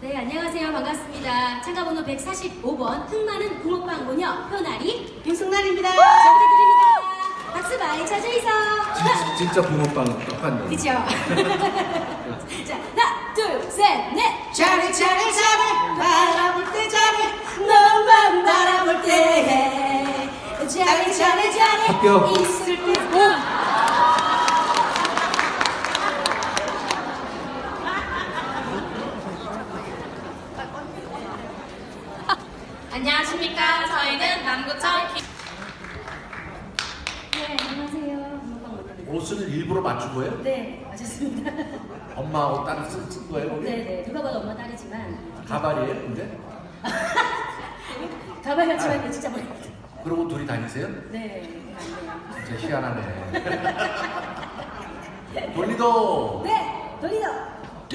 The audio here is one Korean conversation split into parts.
네, 안녕하세요. 반갑습니다. 참가번호 145번 흑마는 붕어빵 모녀 표나리 윤승날입니다. 잘 부탁드립니다. 박수 많이 쳐주이소. 진짜 붕어빵 똑같네. 그쵸? 자, 하나, 둘, 셋, 넷. 잘해 잘해 잘해 바라볼 때 잘해 너만 바라볼 때 잘해 잘해 잘해 합격. 있을 때 안녕하십니까. 저희는 남구청 네, 안녕하세요. 붕어빵 모녀입니다. 옷을 일부러 맞춘 거예요? 네, 맞았습니다. 엄마 옷 따로 쓴 거예요? 거기? 네네, 누가 봐도 엄마 딸이지만 가발이에요, 근데? 가발 같지만 진짜 머리입니다. 그러고 둘이 다니세요? 네, 안 돼요. 진짜 희한하네. 돌리도! 네, 돌리도.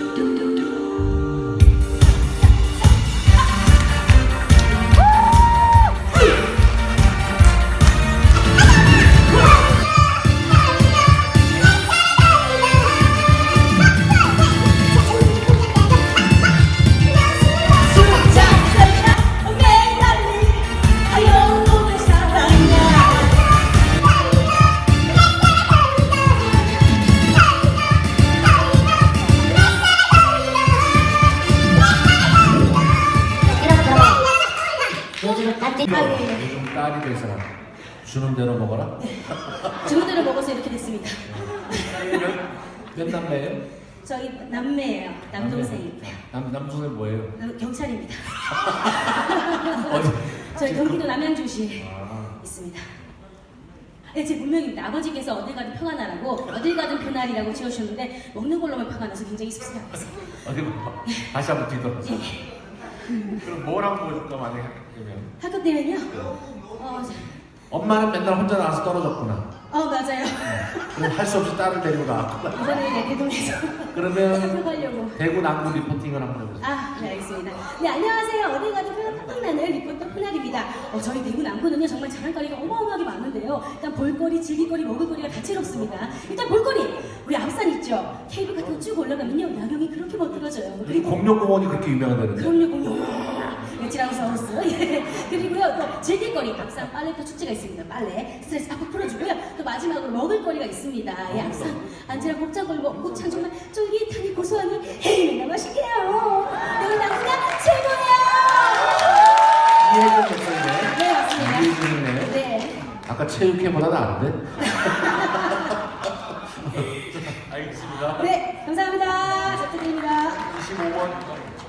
요즘 딸이 될 사람 주는 대로 먹어라? 주문 대로 먹어서 이렇게 됐습니다. 몇 남매예요? 저희 남매예요. 남동생입니다. 남동생 뭐예요? 경찰입니다. 어디? 저희 경기도 남양주시에 아. 있습니다. 네, 제 본명입니다. 아버지께서 어딜 가든 표가 나라고 어딜 가든 표나리라고 지어주셨는데 먹는 걸로만 표가 나서 굉장히 씁쓸합니다. 어디 봐. 다시 한번 뒤돌아서. 예. 그럼 뭐라고 보여줄까 만약에 그러면? 학교 때면요. 엄마는 맨날 혼자 나와서 떨어졌구나. 맞아요. 그럼 할 수 없이 딸을 데리고 나왔구나. 이번에 네, 대동에서 그러면 하려고. 대구 남구 리포팅을 한번 해보세요. 네, 알겠습니다. 네, 안녕하세요. 어딜 가든 표가 팍팍 나는 리포터 표나리입니다. 저희 대구 남구는요, 정말 자랑거리가 어마어마하게 많은데요. 일단 볼거리, 즐길거리, 먹을거리가 다채롭습니다. 일단 볼거리! 우리 앞산 있죠? 케이블 같은 거 쭉 올라가면요, 야경이 그렇게 멋들어져요. 여기 공룡공원이 그렇게 유명하다는데. 그럼요, 공룡. 티라노사우루스. 예. 그리고요, 또 즐길거리, 앞산 빨래터 축제가 있습니다. 빨래. 스트레스 팍팍 풀어주고요. 또 마지막으로 먹을거리가 있습니다. 예, 앞산 안지랑 곱창걸 먹고참 정말 쫄깃하니 고소하니 헤이나 맛있게요. 여기 남구나 최고예요. 이해준 목소리네. 네, 맞습니다. 이해준이네. 네. 아까 체육회보다 나은데? 알겠습니다. 네, 감사합니다. 잘 부탁드립니다. 25번.